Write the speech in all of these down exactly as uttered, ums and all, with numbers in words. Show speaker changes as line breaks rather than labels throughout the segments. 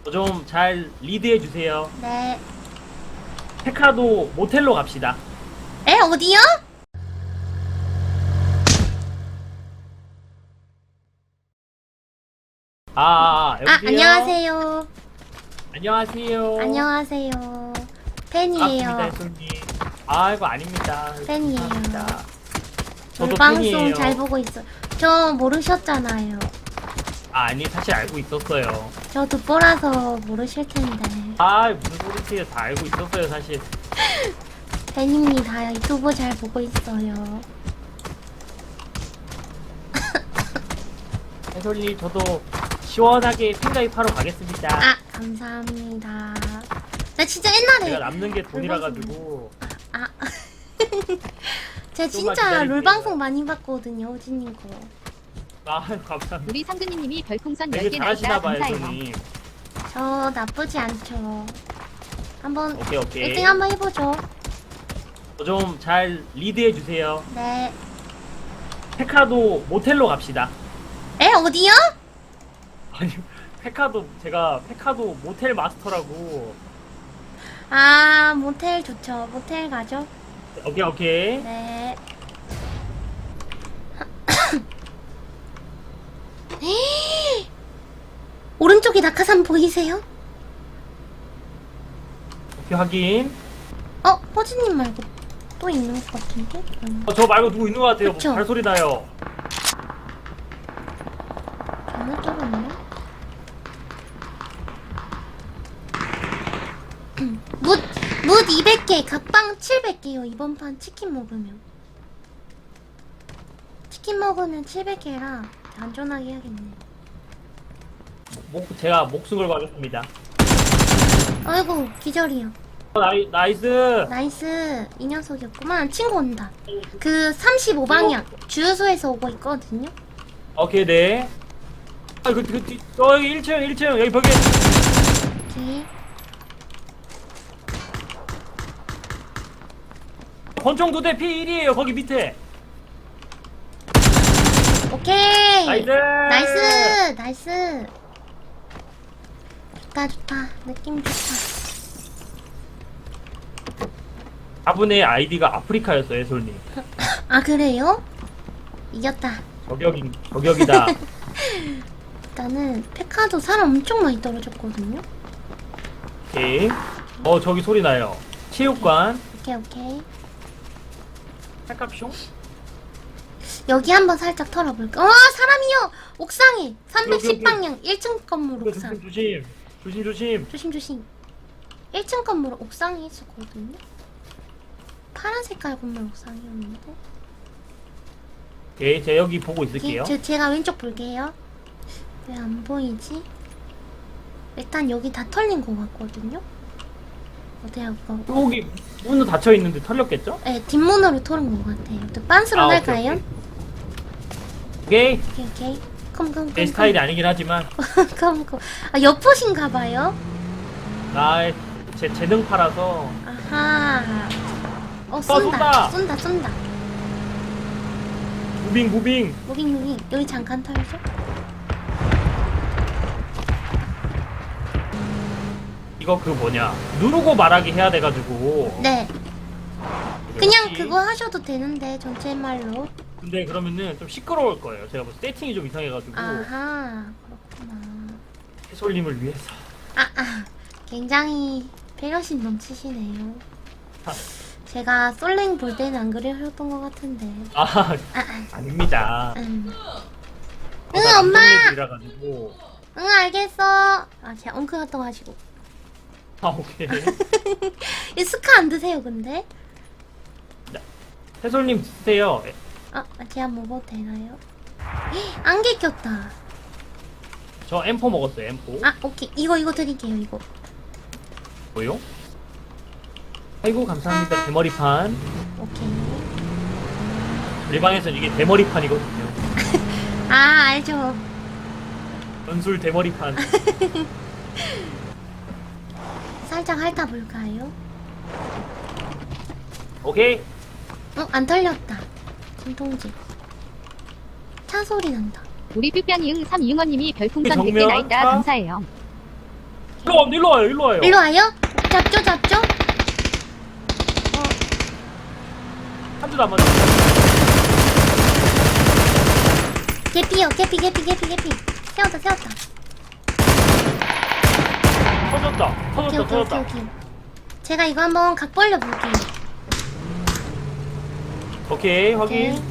좀 잘 리드해 주세요.
네.
페카도 모텔로 갑시다.
에, 어디요?
아, 아, 아,
아,
여보세요?
안녕하세요.
안녕하세요.
안녕하세요. 팬이에요.
반갑습니다, 손님. 아이고, 아닙니다.
팬이에요.
감사합니다. 저도
우리 방송
팬이에요.
잘 보고 있어. 저 모르셨잖아요.
아, 아니, 사실 알고 있었어요.
저 듣보라서 모르실 텐데.
아, 무슨 소리세요? 다 알고 있었어요, 사실.
팬입니다. 유튜브 잘 보고 있어요.
해솔님, 저도 시원하게 팬가입하러 가겠습니다.
아, 감사합니다. 나 진짜 옛날에
제가 남는 게 돈이라 가지고.
아, 제가
좀만
진짜
기다릴게요.
롤 방송 많이 봤거든요, 호진님 거.
아, 감사합니다.
우리 상근님이 별풍선
되게
열 개
잘하시나
나있다
봐요,
감사해요.
손님.
저 나쁘지 않죠. 한번
오케이, 오케이.
일 등 한번 해보죠.
좀 잘 리드해 주세요.
네.
페카도 모텔로 갑시다.
에, 어디요?
아니, 페카도 제가 페카도 모텔 마스터라고.
아, 모텔 좋죠. 모텔 가죠.
오케이, 오케이.
네. 오른쪽에 낙하산 보이세요?
오케이, 확인.
어, 호진님 말고 또 있는 것 같은데? 음,
어, 저 말고 누구 있는 것 같아요.
그쵸?
발소리 나요.
잘못 들었네. 묻, 묻 이백 개, 각방 칠백 개요. 이번 판 치킨 먹으면. 치킨 먹으면 칠백 개라 안전하게 해야겠네.
목, 제가 목숨 걸고 하겠습니다.
아이고, 기절이요.
어, 나이, 나이스.
나이스. 이 녀석이었구만. 친구 온다. 그 삼십오 방향 주유소에서 오고 있거든요.
오케이, 네. 아, 그, 그, 뒤, 어, 여기 일 층, 일 층. 여기 벽에.
오케이.
권총 두 대 피 일이에요. 거기 밑에.
오케이.
나이스.
나이스. 나이스. 좋다, 좋다. 느낌 좋다.
아분의 아이디가 아프리카였어요, 솔님.
아, 그래요? 이겼다.
저격인, 저격이다.
일단은 페카도 사람 엄청 많이 떨어졌거든요.
오케이. 어, 저기 소리 나요. 체육관.
오케이, 오케이.
살갑숑?
여기 한번 살짝 털어볼까? 어, 사람이요! 옥상에! 삼백십
여기, 여기.
방향 일 층 건물
조심,
옥상.
조심. 조심, 조심.
조심, 조심. 일 층 건물 옥상에 있었거든요. 파란 색깔 건물 옥상이었는데.
오케이, 제가 여기 보고
오케이,
있을게요.
저, 제가 왼쪽 볼게요. 왜 안 보이지? 일단 여기 다 털린 것 같거든요. 어때요, 이거?
여기 문은 닫혀 있는데 털렸겠죠?
네, 뒷문으로 털은 것 같아요. 또 빤스로
아,
날까요?
오케이.
오케이, 오케이. 컴, 컴, 컴.
내 스타일이 아니긴 하지만
컴, 컴. 아, 여포신가봐요?
나 제 재능파라서.
아하. 어, 쏜다.
쏜다.
쏜다, 쏜다.
무빙 무빙.
무빙, 무빙. 여기 잠깐 털죠?
이거 그 뭐냐 누르고 말하기 해야 돼가지고.
네. 그냥
여기.
그거 하셔도 되는데, 전체 말로.
근데 그러면은 좀 시끄러울 거예요. 제가 뭐 세팅이 좀 이상해가지고.
아하. 그렇구나.
해솔님을 위해서.
아, 아. 굉장히 배려심 넘치시네요.
아.
제가 솔랭 볼 때는 안 그러셨던 것 같은데.
아
아, 아.
아닙니다.
음.
어,
응,
나
엄마!
남성애들이라 가지고.
응, 알겠어. 아, 제가 엉크가 떠가지고.
아 오케이.
이 스카 안 드세요, 근데?
해솔님 드세요.
아, 제가 먹어도 되나요? 헉, 안개 꼈다.
저 엠포 먹었어요. 엠포.
아, 오케이. 이거, 이거 드릴게요, 이거.
뭐요? 아이고 감사합니다. 대머리판.
오케이.
우리 방에서는 이게 대머리판이거든요.
아, 알죠.
전술 대머리판.
살짝 핥아볼까요?
오케이.
어, 안 털렸다. 진통제. 차 소리 난다.
우리 삐삐이응 삼이응원님이 별풍선 백 개
정면
나있다
차?
감사해요.
일로 와, 일로 와요, 일로 와요.
일로 와요? 잡죠, 잡죠? 어,
한 대도 안 맞아.
개피요, 개피, 개피, 개피, 개피. 세웠다, 세웠다.
터졌다,
오케이,
터졌다,
오케이, 오케이,
터졌다.
오케이. 제가 이거 한번 각 벌려 볼게요.
오케이,
오케이.
확인.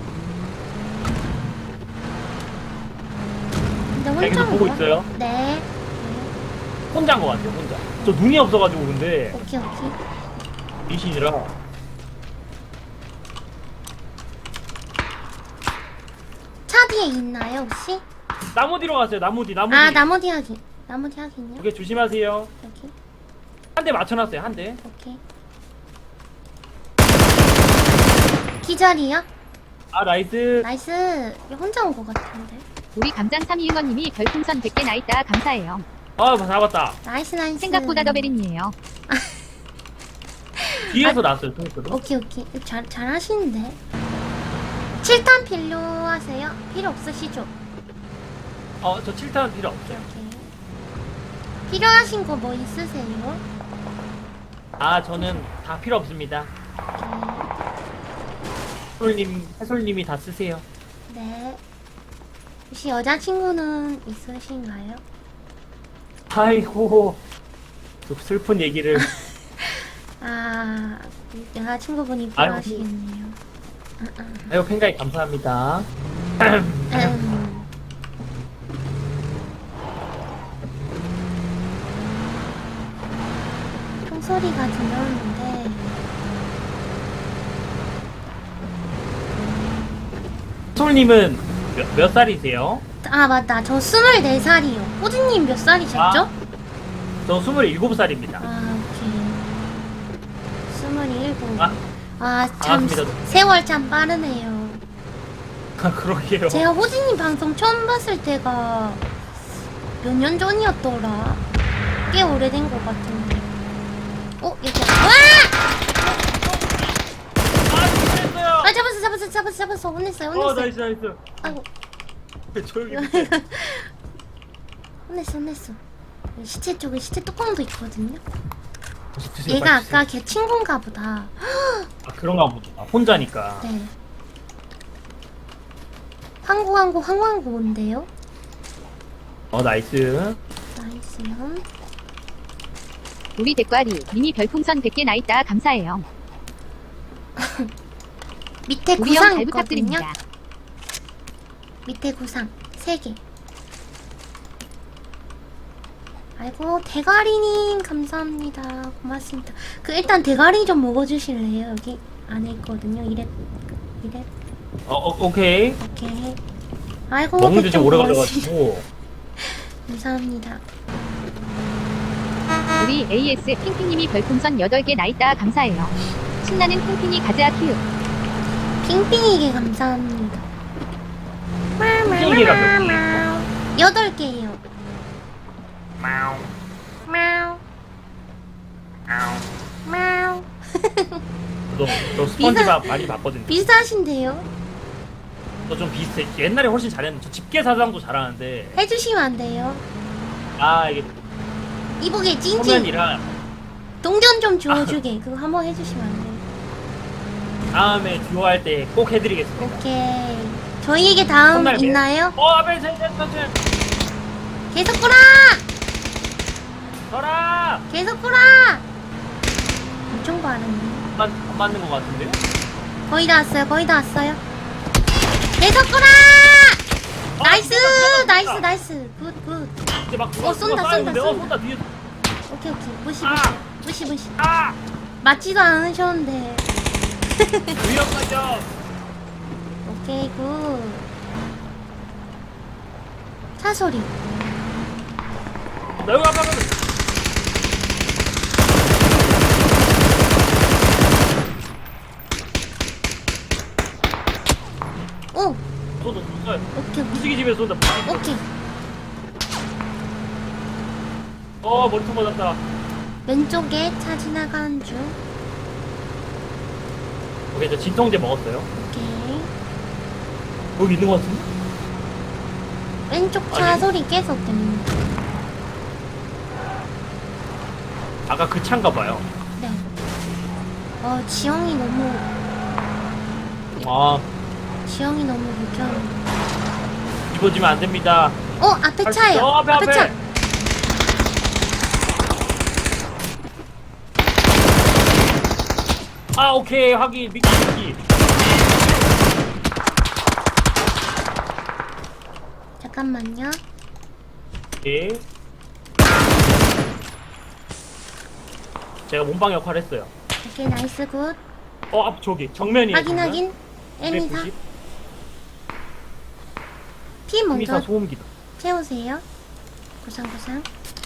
근데
네, 계속
혼자
보고
온 거야?
있어요.
네.
혼자인 것 같아요, 혼자. 저 눈이 없어가지고 근데
오케이, 오케이.
미신이라.
차 뒤에 있나요, 혹시?
나무 뒤로 갔어요, 나무 뒤, 나무 뒤.
아, 나머지 확인. 나머지 확인요?
오케이, 조심하세요.
여기.
한 대 맞춰놨어요, 한 대.
오케이. 기절이요?
아, 나이스.
나이스. 이거 혼자 온 거 같은데.
우리 감장 삼이응원님이 별풍선 백 개 나있다 감사해요.
아, 잡았다.
나이스, 나이스.
생각보다 더 베린이에요.
뒤에서 나왔어요, 통크도.
오케이, 오케이. 이거 잘, 잘 하시는데. 칠 탄 필요하세요? 필요 없으시죠?
어, 저 칠 탄 필요 없어요.
오케이. 필요하신 거 뭐 있으세요?
아, 저는 다 필요 없습니다.
오케이.
해솔님, 해솔님이 다 쓰세요.
네. 혹시 여자친구는 있으신가요?
아이고, 또 슬픈 얘기를.
아, 여자친구분이
아이고.
필요하시겠네요.
아이고, 팬가이 감사합니다.
음. 총소리가 들렸는데
해솔님은 몇, 몇 살이세요?
아 맞다 저 스물네 살이요. 호진님 몇 살이셨죠?
아. 저 스물일곱 살입니다.
아 오케이 스물일곱.
아.
아참
반갑습니다.
세월 참 빠르네요.
아, 그러게요.
제가 호진님 방송 처음 봤을 때가 몇 년 전이었더라. 꽤 오래된 것 같은데. 어 여기 와!
아, 잘했어요.
아 잡았어 잡았어 잡았어 잡았어 혼냈어요
어,
혼냈어요.
나이스, 나이스.
아이고
조용히 해.
혼냈어 혼냈어. 시체 쪽에 시체 뚜껑도 있거든요.
드세요,
얘가
빨리 드세요.
아까 걔 친구인가 보다.
아, 그런가 보다. 아, 혼자니까.
네. 황구 황구 황황구인데요.
어, 나이스.
나이스요.
우리 대과리 님이 별풍선 백 개 나있다 감사해요.
밑에
우리 형
구상
잘
있거든요.
부탁드립니다.
밑에 구상 세 개. 아이고 대가리님 감사합니다. 고맙습니다. 그 일단 대가리 좀 먹어주실래요? 여기 안에 있거든요. 이랩 이랩.
어, 어 오케이.
오케이. 아이고
먹는데 좀 오래
고맙습니다.
걸려가지고.
감사합니다.
우리 에이에스 핑핑님이 별풍선 여덟 개 나있다 감사해요. 신나는 핑핑이 가자 키읔.
핑핑이게 감사합니다.
핑핑이가 몇 개예요?
여덟 개예요.
마우.
마우
마우.
마우.
저, 저 스펀지밥 많이 봤거든요.
비슷하신데요?
저 좀 비슷해. 옛날에 훨씬 잘했는데. 저 집게사장도 잘하는데.
해주시면 안 돼요.
아, 이게
이보게 찐찐
소면이랑
동전 좀 주워주게. 그거 한번 해주시면 안 돼요?
다음에 듀오 할 때 꼭 해드리겠습니다.
오케이. 저희에게 다음
혼날게요.
있나요?
어, 아벨 센센 센센.
계속 꾸라!
저라!
계속 꾸라! 엄청 빠르네.
안, 맞- 안 맞는 것 같은데요?
거의 다 왔어요. 거의 다 왔어요. 계속 꾸라!
아,
나이스!
쏜다, 쏜다,
나이스
쏜다.
나이스. 굿 굿.
이제 막 누가
어, 쏜다,
누가
쏜다,
쏴있는데? 어,
쏜다.
쏜다 뒤에.
오케이 오케이. 무시 무시.
아!
무시 무시.
아!
맞지도 않으셨는데.
위험하죠.
오케이 굿. 차 소리.
나 여기 아까
오.
쏜다 쏜다.
오케이 오케이.
무지개 집에 쏜다.
오케이.
어, 머리통 맞았다.
왼쪽에 차 지나가는 중.
오케이, 저 진통제 먹었어요.
오케이.
여기 있는 것 같은데?
왼쪽 차
아니.
소리 계속 들립니다.
아까 그 차인가 봐요.
네. 어, 지형이 너무,
아,
지형이 너무 불쾌하네.
뒤집어지면 안 됩니다.
어, 앞에
할 수
차예요.
있어. 앞에,
앞에
앞에.
차.
아, 오케이. 확인. 미끼, 미끼.
잠깐만요.
오케이. 제가 몸방 역할 했어요.
오케이, 나이스, 굿.
어, 앞 저기 정면이에요.
확인, 확인. 에미사.
백구십.
피
에미사
먼저
소음기다.
채우세요. 고상고상.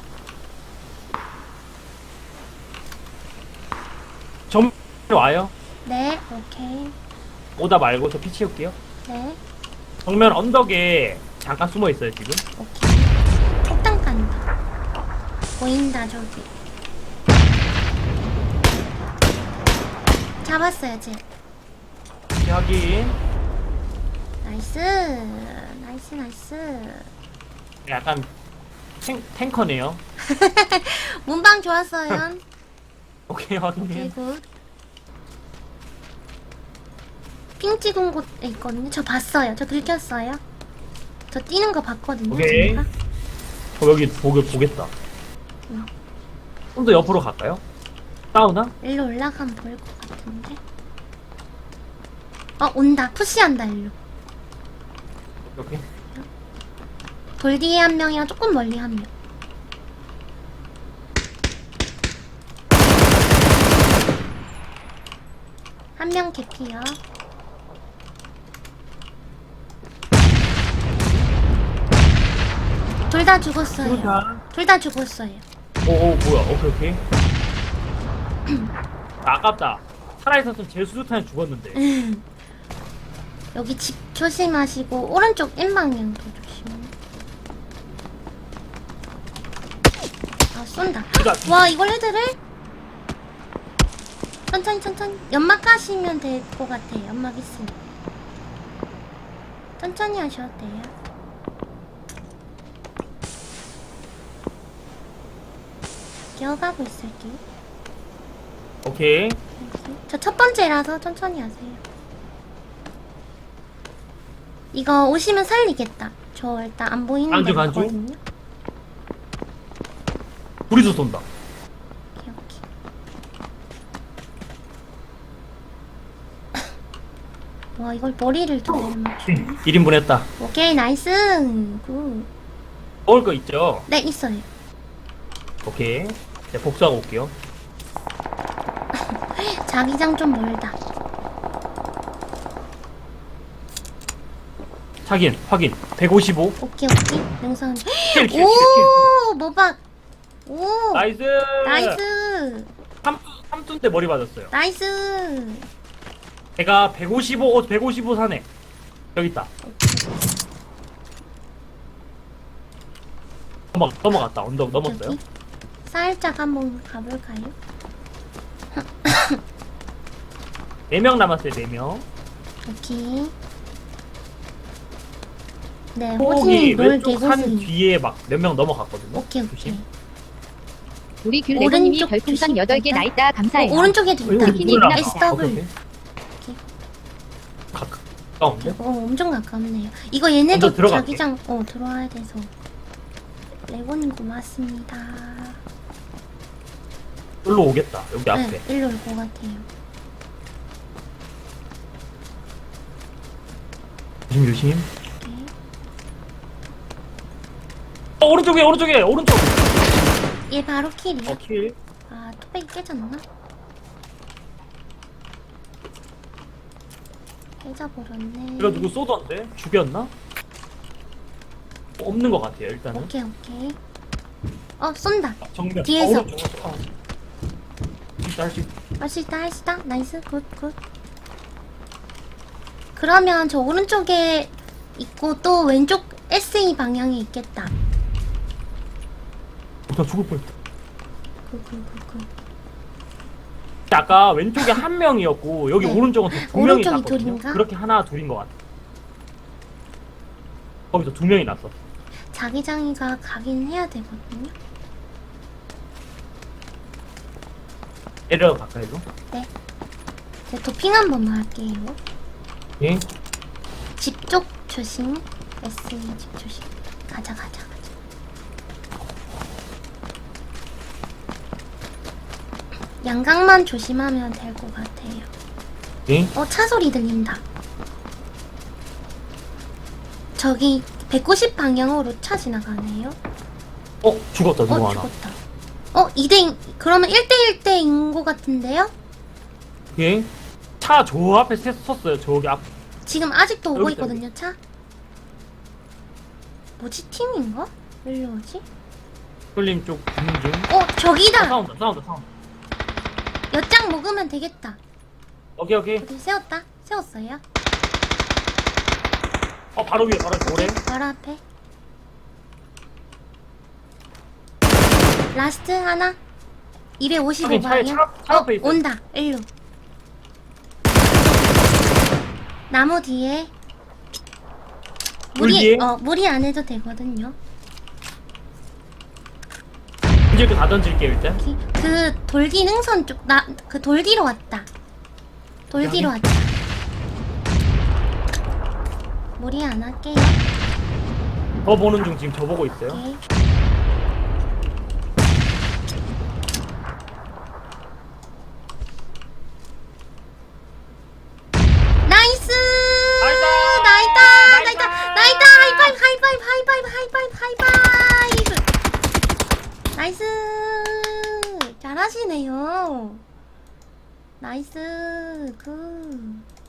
정 와요.
네, 오케이.
오다 말고 저 피 채울게요.
네,
정면 언덕에 잠깐 숨어 있어요 지금.
오케이. 폭탄 간다. 보인다, 저기. 잡았어요, 쟤.
오케이, 확인.
나이스. 나이스, 나이스.
약간 탱, 탱커네요.
문방 좋았어요.
오케이,
오케이,
확인.
굿. 핑 찍은 곳에 있거든요. 저 봤어요. 저 들켰어요. 저 뛰는 거 봤거든요.
오케이.
제가.
어, 여기 보게 보겠다.
응.
좀 더 옆으로 갈까요? 싸우나?
일로 올라가면 보일 것 같은데. 어, 온다. 푸시한다, 일로.
오케이.
돌 뒤에 한 명이랑 조금 멀리 한 명. 한 명 개피요. 둘 다 죽었어요.
수류탄.
둘 다 죽었어요.
오오 뭐야? 오케이 오케이. 아, 아깝다. 살아있었으면 제 수류탄에 죽었는데.
여기 집 조심하시고 오른쪽 N 방향도 조심. 아 쏜다.
그러니까
와 이걸 헤드를? 천천히 천천히. 연막 가시면 될 것 같아. 연막 있으면. 천천히 하셔도 돼요. 기어가고 있을게요.
오케이.
저 첫 번째라서 천천히 하세요. 이거 오시면 살리겠다. 저 일단 안 보이는
간주,
데
간주?
있거든요.
둘이서 쏜다.
오케이, 오케이. 와 이걸 머리를 두 대를 맞추네.
일 인분 했다.
오케이 나이스. 굿.
먹을 거 있죠?
네 있어요.
오케이. 네, 복수하고 올게요.
자기장 좀 멀다.
확인, 확인. 백오십오.
오케이 오케이. 영상.
킬, 킬, 킬, 킬.
오 모박. 오
나이스.
나이스.
삼tun때 머리 맞았어요.
나이스.
제가 백오십오, 어, 백오십오 사네. 여기 있다. 넘어, 넘어갔다. 언덕 넘었어요.
저기 살짝 한번 가볼까요?
네 명 남았어요, 네 명.
오케이. 네,
폭이
호진이 놀
왼쪽 산
개고수.
뒤에 막 몇 명 넘어갔거든요.
오케이, 오케이.
조심.
우리 귤레고님이
오른쪽
별풍선
조심.
여덟 개 나있다 감사해요.
어, 오른쪽에도 있다.
여기
피니
누구나.
있나?
아, 오케이, 오케이.
오케이.
가까운데?
어, 엄청 가깝네요. 이거 얘네도
먼저 들어갈게.
자기장, 어, 들어와야 돼서. 레고님 고맙습니다.
여기로 오겠다. 여기 앞에.
네, 일로 올 것 같아요.
조심, 조심.
오케이.
어, 오른쪽에, 오른쪽에, 오른쪽.
얘 바로 킬이야.
어, 킬.
아, 토백이 깨졌나? 깨져버렸네.
이거 누구 쏘던데? 죽였나? 어, 없는 것 같아요, 일단은.
오케이, 오케이. 어, 쏜다.
아, 정면.
뒤에서.
어, 오른쪽. 어. 진짜 할 수 있다.
할 수 있다, 할 수 있다. 나이스, 굿, 굿. 그러면 저 오른쪽에 있고 또 왼쪽 에스이 방향에 있겠다.
어, 나 죽을 뻔했다.
굿, 굿, 굿, 굿.
아까 왼쪽에 한 명이었고 여기
네.
오른쪽은 두 명이
오른쪽이
났거든요.
둘인가?
그렇게 하나 둘인 것 같아. 거기서 두 명이 났어.
자기장이가 가긴 해야 되거든요.
내려가 가까이로.
네. 제 도핑 한 번만 할게요.
예.
집 쪽 조심. 에스이 집 조심. 가자 가자 가자. 양각만 조심하면 될 것 같아요.
예.
어, 차 소리 들린다. 저기 백구십 방향으로 차 지나가네요.
어 죽었다 누구
어,
하나.
죽었다. 어, 이 대 그러면 일 대 일 대인 것 같은데요?
예. 차 저 앞에 서- 섰어요. 저기 앞.
지금 아직도 오고
여기 있다,
있거든요, 차. 뭐지, 팀인가? 왜 이러지?
쏠림 쪽 붙는 중.
어,
아,
저기다!
싸운다 싸운다 싸운다.
엿장 먹으면 되겠다.
오케이 오케이.
어디 세웠다? 세웠어요?
어 바로 위에 바로 모래.
오케이, 바로 앞에. 라스트 하나. 이백오십오
하긴 차에
방향.
차- 차 앞에
어,
있어.
온다. 일로. 나무 뒤에.
물
무리,
뒤에?
어, 무리 안 해도 되거든요.
이제 그 다 던질게요 일단.
여기. 그 돌기 능선 쪽, 나, 그 돌 뒤로 왔다. 돌
여기?
뒤로 왔다. 무리 안 할게요.
저 보는 중 지금 저 보고 있어요.
오케이. 나이스!
나이다!
나이다!
나이다!
나이다! 나이다! 하이파이브! 하이파이브! 하이파이브! 하이파이브! 하이파이브! 나이스! 잘하시네요. 나이스. 굿.